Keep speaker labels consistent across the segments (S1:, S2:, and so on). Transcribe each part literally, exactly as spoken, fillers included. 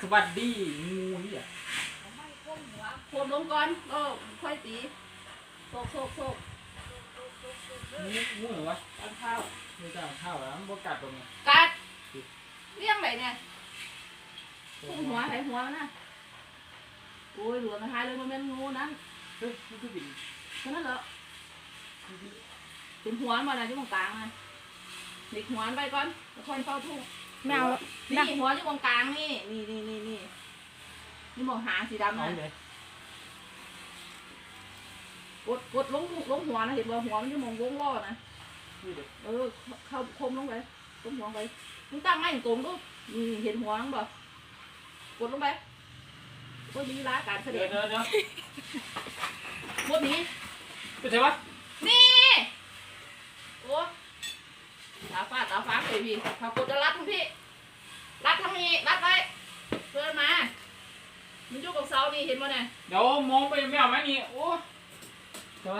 S1: วัสดีงูนี่อ่ะ
S2: ไม่ก้มหัวโคนลงก่อนก็ค่อยตีโซกโซกโซก
S1: งูงูเหรอวะ
S2: ตอนข้าว
S1: ไม่จ้าข้าวแล้วมันบกัดตรงนี้
S2: กัดเลี้ยงไหนเนี่ยพุ่งหัวไหนหัวนะโอ้ยหลวงหายเลยมันเป็นงูนั้น
S1: เฮ้ยมันคือบิน
S2: แค่นั้นเหรอเป็นหัวมาอะไรที่ตรงกลางนะเด็กหัวไปก่อนแล้วค่อยเฝ้าทุ่ง
S3: ไม่เอาแล้ว
S2: นี่หัวที่ตรงกลางนี่นี่นี่นี่นี่นี่มองหางสีดำ
S1: เอา
S2: นะ
S1: เลย
S2: กดกดลงลงหัวนะเห็นว่าหัวมันจะมองวงล้อนะ
S1: นี่เด็ก
S2: เออเข้าคมลงไปคมหัวไปมึงตั้งไม่ตรงดูนี่เห็นหัวมั้งบ่กดลงไปก็ยีราการเสด็
S1: เดี๋ยว
S2: จ
S1: เดี๋ยวเดี๋ยว
S2: หมดนี้
S1: เป็นไงวะ
S2: นี่โอ้ตาฟาดตาฟ้าเลยพี่ถ้ากดจะรัดทั้งพี่รัดทั้งนี้รัดไว้เพื่อนมามันอยู่กับเสานี่เห็นมั้ยเนี่ย
S1: เดี๋ยวมองไปไม่เอาไหมนี่โอ้เดี๋ยว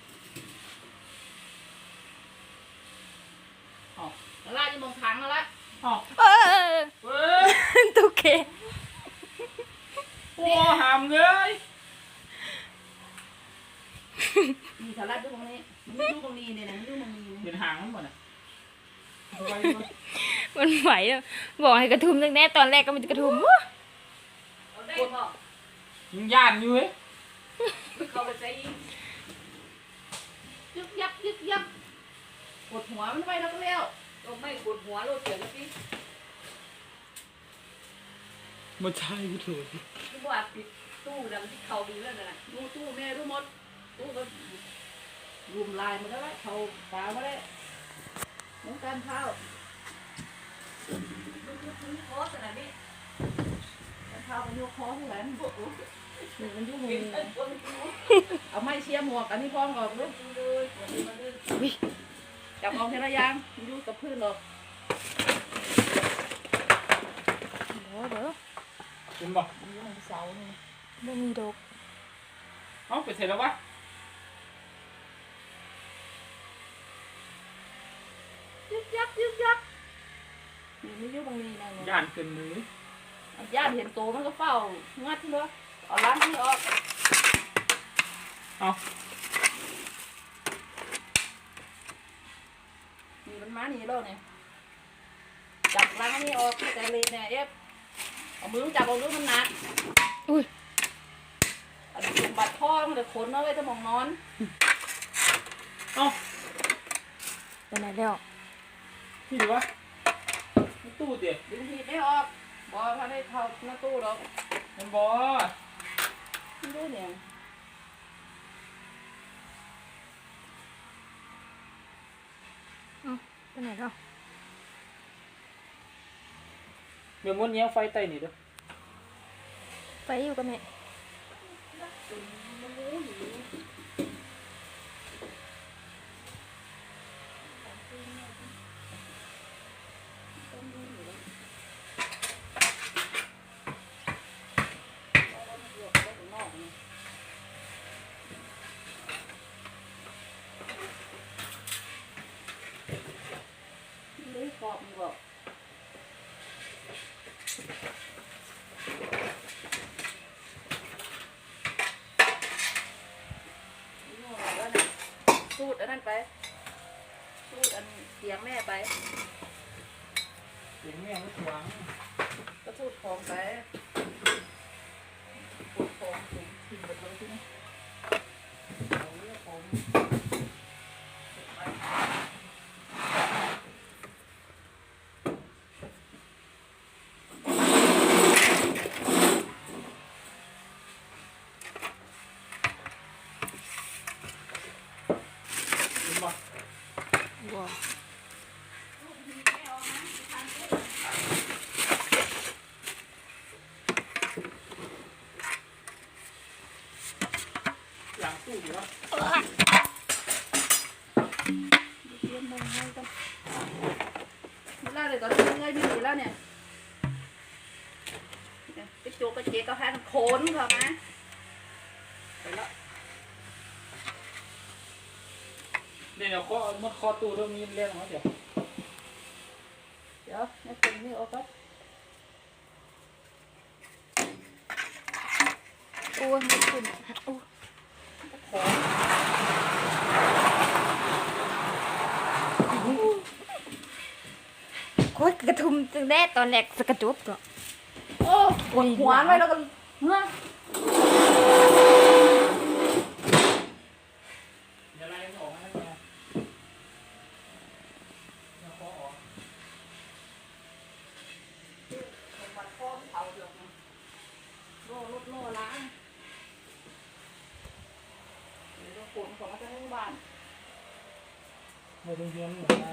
S2: แล้วลาดจะมองทางแล้วละ
S1: อ๋อ
S3: เออ
S1: เว้ย
S3: ตุ๊กเค
S1: โอ้หามเลย
S2: นี่ถ้ารัดอยู่ตรงนี้มันอยู่ตรงนี้เนี่ยนะมันอยู่ตรงนี้
S1: เห็นหางมันหมดอ่ะเอาไว้
S3: มันไหวแล้วบอกให้กระทุมตั้งแต่ตอนแรกก็มันจะกระทุมวะ
S2: เอาได้บ่
S1: ยิงย่านอยู่เว้ย
S2: เข้าไปใจยิงยึกยักยึกยักกดหัวมันไปแล้วก็แล้วเราไม่กดหัวเราเสียแล้วพี่
S1: มาใช่กูถูก
S2: ที่บ้านปิดตู้ดังที่เขาดีแล้วนะดูตู้แม่รู้หมดตู้ก็รุมลายมาแล้วเขาตามาแล้วน้องการเท้าคอขนาดนี้การเท้ามันยกคอเท่าไหร่มันบวกมันยุ่งมือเอาไม้เชียร์หมวกอันนี้พร้อมก่อนลูกจับเอาแค่ระยางมันยุ่งกับพื้นหรอก
S3: เดี๋ยวเดี๋ยว
S1: เห็นบ่
S2: มันยุ่งกับเสานี่
S3: ไม่มีดอก
S1: เอ้าไปเสร็จแล้ววะ
S2: ยึกยักยึกยักนี่ไม่ยุ่งตรงนี้นะเนี่ย
S1: ย่านเกินมือ
S2: ญาติเห็นโตมันก็เฝ้างัดเลยเอาล้างนี่ออก
S1: เอา
S2: นี่มันมานี่แล้วเนี่ยจับล้างนี่ออกแต่เลยเนี่ยเอฟเอามือจับเอาลูกมันหนัก
S3: อุ้ย
S2: อันนี้สมบัติพ่อมันจะขนเอาไว้ถ้ามองนอน
S1: เอา
S3: ไปไหนแล้ว
S1: ที่ดีวะในตู้เดี๋ยว
S2: ดึงหีบไม่ออกบอพาได้เข้าหน้าตู้หรอก
S1: มันบอ
S2: ไม่รู้เนี่ย
S3: ไปไหนแล้ว
S1: เดี๋ยวมันเนี้ยไฟไต่นี่เด้อ
S3: ไปอยู่กับแม่
S2: เลยขอบมันบอกสูดอันนั้นไปสูดอันเสียงแม่ไป
S1: เสียงแม่ไม่ขวาง
S2: ก็สูดของไปปวดของถึงถึงหมดเลยที่นี่เอาเรื่องของ
S1: เห็นบ่
S3: ว้าว
S1: หลังตู้อยู่วะ
S2: เตรียมมือให้กันเวลาเลยตอนนี้เงยไม่ดีแล้วเนี่ยไปโจกกระเจี๊ยบกระแพงโขนเขานะไปแล้ว
S1: เดี๋ยวข้อมันคอตู้เรื่องนี้เรียกมาเดี๋ยว
S2: เดี๋ยวนี่เป็นนี่ออกครับ
S3: อ้ยไม่ขึ้นโอ้ย
S2: ของ
S3: โอ้ยกระทุมตั้งแต่ตอนแรกสกระจุบก็
S2: โอ้กดหัวไว้แล้วก็เฮ้ย
S1: อย่าไล่มันออกให้แม่อย่าเคาะออก
S2: มันข้อมเผาเดือดนะโล่รถโล่ล้างเดี๋ยวขนของมาจากโรงพยาบาล
S1: ไม่ต้องเย็นหรอกนะ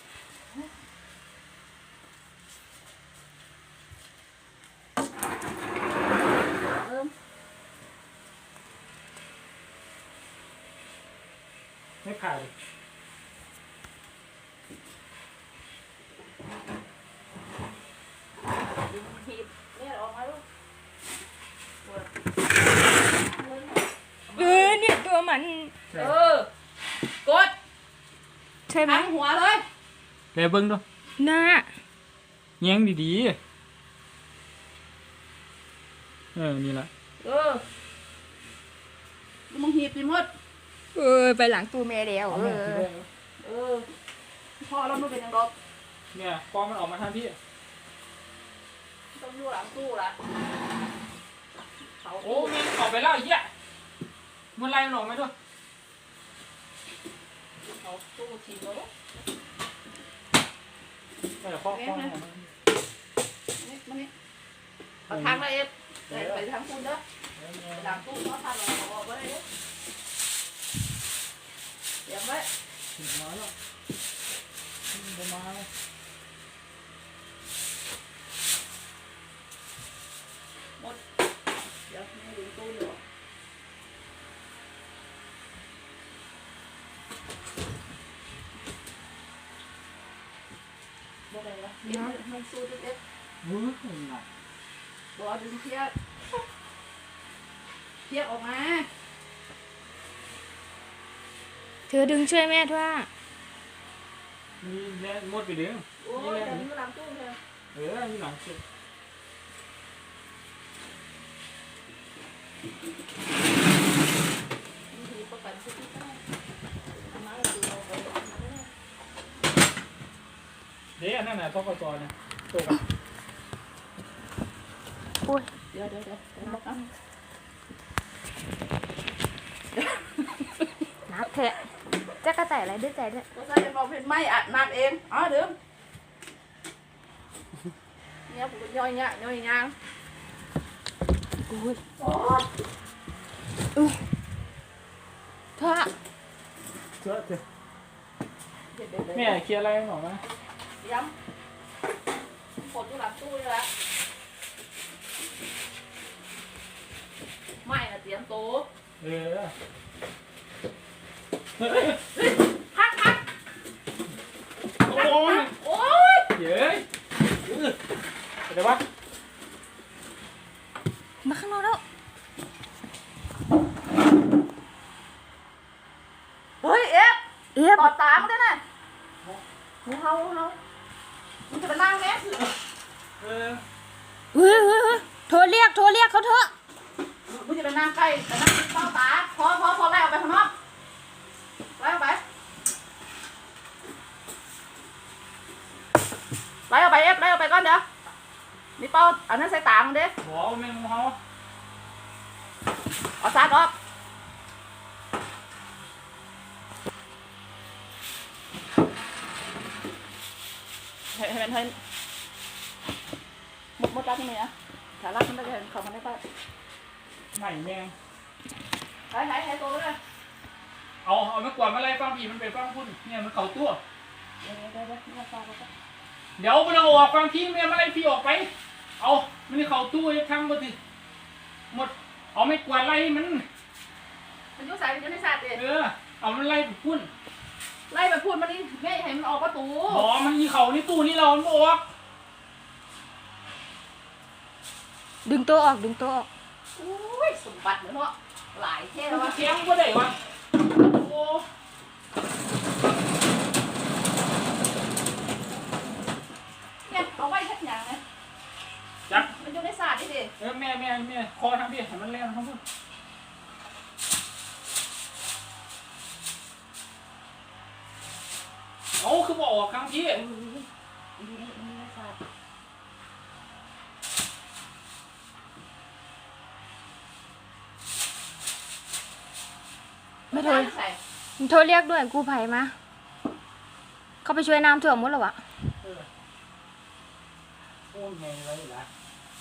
S2: เอิ่ม
S1: ไม่ผ่าน
S2: ดึงหีบเนี่ยออกมาลูกปวด
S3: เออเนี่ยตัวมัน
S2: เออกด
S3: ใช่ไหม
S2: ทั้งหัวเลย
S1: เดี๋ยวเบิ้งดู
S3: หน้า
S1: แย้งดีๆเออนี่ละ
S2: เออมึงหีบสิหมด
S3: เออไปหลังตู้แม่แล้ว
S1: เอา
S3: เอ
S1: แม่
S3: อ
S1: ที่ได้
S2: เออพ่อเราไม่เป็นยังดอก
S1: เนี่ยฟองมันออกมาทางพี่
S2: ต้องอยู่หลังตู้ละเขา
S1: โอ้แม่งออกไปแล้วไอ้เหี้ยมันไล่มันออกไหมด้วย
S2: เขาตู้ชิมแล้วลูก
S1: เออเคาะเคาะออกมา
S2: นี่มานี่เอาทางละเอฟไปไปทางคุณเด้อไปหลังตู้เขาทางเราเอาออกไว้เลยเด้อเตรียมไว้
S1: ถึงมาแล้วมันจะมาแล้ว
S2: หมดเดี๋ยวไม่ดึงตู้เดี๋ยวบ่ได้ละเดี๋ยวมันสู้ดิเอฟ
S1: เฮ้ยหนัก
S2: บ่ดึงเทียบเทียบออกมา
S3: เธอดึงช่วยแม่ด้วย
S1: มีแรงงดไปดึง
S2: โอ้
S1: มี
S2: ย
S1: แรง
S2: เดี๋ยวนี้หลังตู้เธอ
S1: เออมีหลังสุด
S2: มีทีประกันสุดที่ได้ทำมาแล้วดูเราไปเอามาเลย
S1: เดี๋ยวอันนั่นน่ะต้องกระจอยนะตก
S3: โอ้ย
S2: เดี๋ยวเดี๋ยวเดี๋ยวเดี๋ยวบอกเอา
S3: นับเถอะจะกระต่ายอะไรด้วยใจด้วย
S2: ก็ใส่บอกเป็นไม่อัดน้ำเองอ๋อเดิมเนี่ยผมก็ย่อยเนี่ยย่อยยาง
S3: โอ้ย
S2: โอ้ย
S3: เธอ
S1: เจ้าเจ้า
S2: เด็ดเด็ดเด็ด
S1: แม่เคลียร์อะไรหน่อยไหม
S2: ย้ำกดอยู่หลังตู้เลยละไม่นะเตรียมโต๊ะ
S1: เออเฮ้ย
S2: พักพัก
S1: โอ้ย
S2: โอ้ย
S1: เย้ยเออเดี๋ยววะ
S3: มาข้างนอกแล้ว
S2: เฮ้ยเอฟ
S3: เอ๊ะ
S2: ต่อตามกันนะหูเฮาหูเฮามันจะไปนั่งแม่สิ
S1: เออ
S3: เฮ้ยเฮ้ยเฮ้ยโทรเรียกโทรเรียกเขาเถอะ
S2: มันจะไปนั่งใกล้ไปนั่งเต้าตาพอพอพอไล่ออกไปข้างนอกไล่ออกไปไล่ออกไปเอฟไล่ออกไปก่อนเดี๋ยวนี่เป้าเอานั่นใส่ตามึงดิ
S1: บอกว่าแม่งเขา
S2: เอาซัดออกเห็นเห็นเห็นมดมดรักที่ไหนนะถ้ารักมันได้เห็นเขามันได้ป่ะ
S1: ไหนแม่ง
S2: หายหายหายตัวเลย
S1: เอาเอาไม่กวาดมาไล่ฟังพี่มันเป็นฟังพุ่นเนี่ยมันเข่าตัว
S2: เดี๋ยวเดี๋ยวเดี๋ยวนี่ฟังเขา
S1: เดี๋ยวมันเอาออกฟังพี่แม่มาไล่พี่ออกไป เอามันนี่เข่าตู้ไอ้ทั้งหมดสิหมดเอาไม่กวาดไล่มัน
S2: มันยุ่งสายมันยุ่งในศาสตร์เอง
S1: เออเอามันไล่ไปพุ่น
S2: ไล่ไปพูดมันนี่แม่ให้มันออกประตู
S1: บอกมันมีเข่านี่ตู้นี่เรามันบออก
S3: ดึงตัวออกดึงตัวออก
S2: อุ้ยสมบัติเหมือนเนาะหลายเท่
S1: มั
S2: แล้ว
S1: น
S2: วะ
S1: เสียงก็ได้วะโอ้
S2: เนี่ยเอาไว้ทักอย่างนะ
S1: จับ
S2: มันมันอยู่ในศาสตร์นี่ดิ
S1: เออแม่แม่แม่คอทำพี่ให้มันแรงทั้งพุ่นเอาคือบอกออกครั้งพี่
S2: มันอยู่ในมันอยู่ในศาสตร์
S3: ไม่โทร
S2: ใส่
S3: มันโทรเรียกด้วยกู้ภัยมาเขาไปช่วยน้ำท่วมหมดแล้ววะ
S1: เออโอ้ยแม่อะไรล่ะ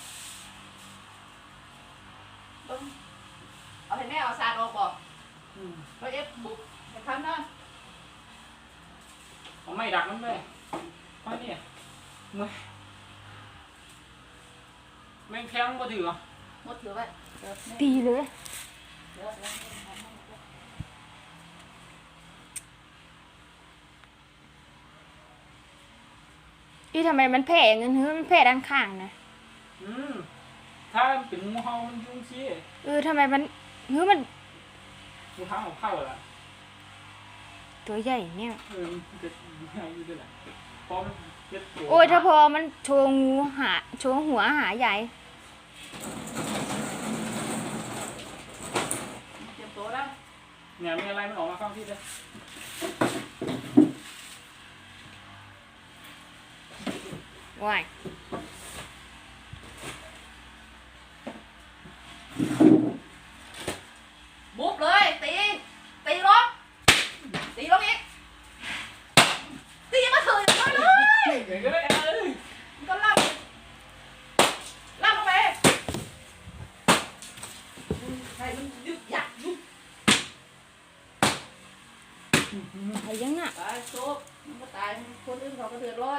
S2: ต้องเอาให้แม่เอาศาสตร์ออกบอก
S1: อืม
S2: เราเอฟบุกจะทำนะ
S1: เอาไม่ดักมันเลยเพราะเนี่ยมึงแม่งแข็งบ่ถือ
S2: หมดถือไว้เดี๋ยวแม่
S3: ตีเลย
S2: เดี๋ยวเดี๋ยว
S3: นี่ทำไมมันแผ่อย่างนั้นเฮ้ยมันแผ่ด้านข้างนะ
S1: อืมถ้ามันเป็นงูเห่ามันยุ่งชี้
S3: เออทำไมมันเฮ้ยมัน
S1: งูเห่าของเข้าละ
S3: ตัวใหญ่เนี่ย
S1: เออมันจะอยู่ด้วยแหละเพราะมันเจ็บตัว
S3: โอ้ยถ้าพอมันโชว์งูหาโชว์หัวหาใหญ่
S2: เตรียมตัวแล้ว
S1: เนี่ยมีอะไรมันออกมาฟังพี่เลย
S3: ว้าย
S2: บุบเลยตีตีลงตีลงอีกตีมาเถอะมาเลย
S1: เดี๋ยวก็ได้เอ้ย
S2: มันก็ล่ำล่ำลงไปใครมันยึกยักยึก
S3: อะไรยังน่ะ
S2: ตายโซ่มันก็ตายคนอื่นเขาก็เดือดร้อน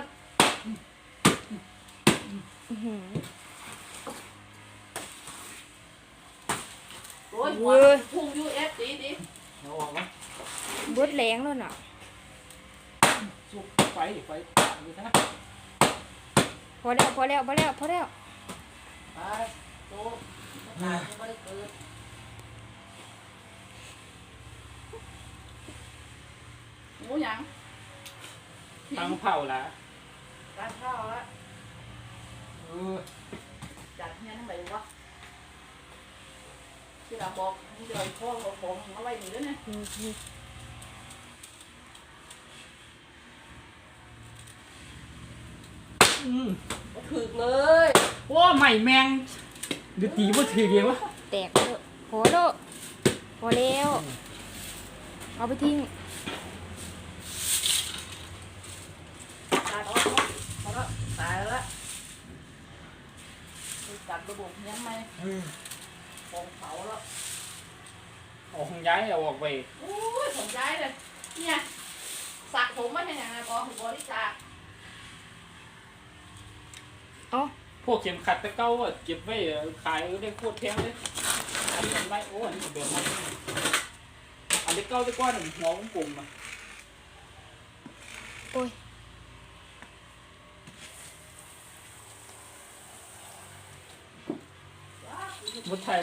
S3: อื้อหือ
S2: โอ้ยหัวพุ่งยูเอฟตีตี
S1: เอาออกมา
S3: บดแรงแล้วน่ะ
S1: สุกไฟไฟอยู่นะ
S3: พอแล้วพอแล้วพอแล้วพอแล้ว
S2: ตายโซ่ตายมันก็ได้เกิดหมูหยัง
S1: ตั้งเผาละ
S2: การข้าวแล้ว
S1: เออ
S2: จัดเนี่ยทั้งไหนวะที่เราบอกที่เราพ่อเราบอกเอาไว้หนีแล้วเนี่ย
S3: อืมอืม
S1: อืม
S2: ก็ถึกเลย
S1: ว้าใหม่แมงเดือดตีบ่ถือเดียววะ
S3: แตกแล้วพอแล้วพอแล้วเอาไปทิ้ง
S2: ตายแล้วพอแล้วตายแล้วจัดระบบยังไง
S1: เออ
S2: ปองเผาแล้ว
S1: ออกของย้ายเอาออกไป
S2: โอ้ยผมย้ายเลยเนี่ยสระผมมันเป็นยังไงบอถึงบริจาค
S3: เอ๋อ
S1: พวกเข็มขัดตะเก้าอะเก็บไว้ขายได้โคตรแพงเลยอันนี้มันไม่โอ้อันนี้เดือดมากอันนี้เก้าตะก้อนหนึ่งหัวของปุ่มอะ
S3: โอ้ย
S1: มุดไทย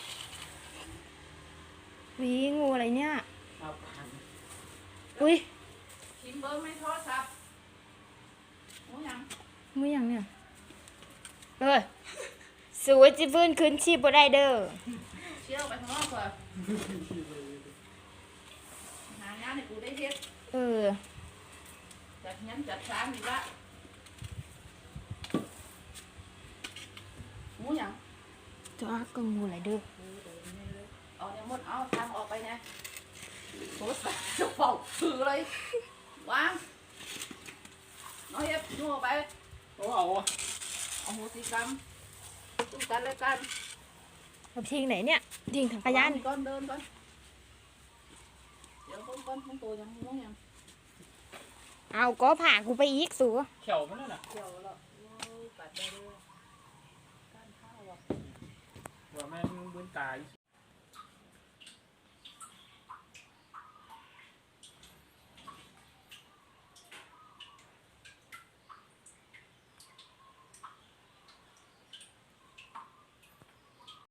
S3: วีงูอะไรเนี่ย
S1: ครับ
S3: อุ้ย
S2: ชิมเบอร์ไม่โทรศัพท์โอ้ยัง
S3: มือยังเนี่ยเออสวยจิฟื้นคืนชีพบ่ได้เด้อ
S2: เชี่ยวไปข้างนอกก่อนหางานให้กูได้เฮ็ด
S3: เออ
S2: จัดงั้นจัดสามอีกละหมูหยัง
S3: จ้าก็งูอะไรเด้อ
S2: เอาเนี่ยมดเอาทางออกไปนะโทรศัพท์จะเป่าถือเลยวางน้อยเอฟนู่ออกไป
S1: โอ้เอา
S2: เอาโหสิกรรมตุ้กันเลยกัน
S3: เอาไปทิ้งไหนเนี่ยทิ้งถังขยะนี่
S2: ก่อนเดินก่อนเดี๋ยวก้นก้นของตัวยังงูยัง
S3: เอาก็ผ่ากูไปอีกสู
S1: เขียวมันนั่นน่ะ
S2: เกี่ยวแล้วโอ้ยกัดได้เลยก้านข้าวอ่ะ
S1: ว่าแม่งบืนตาย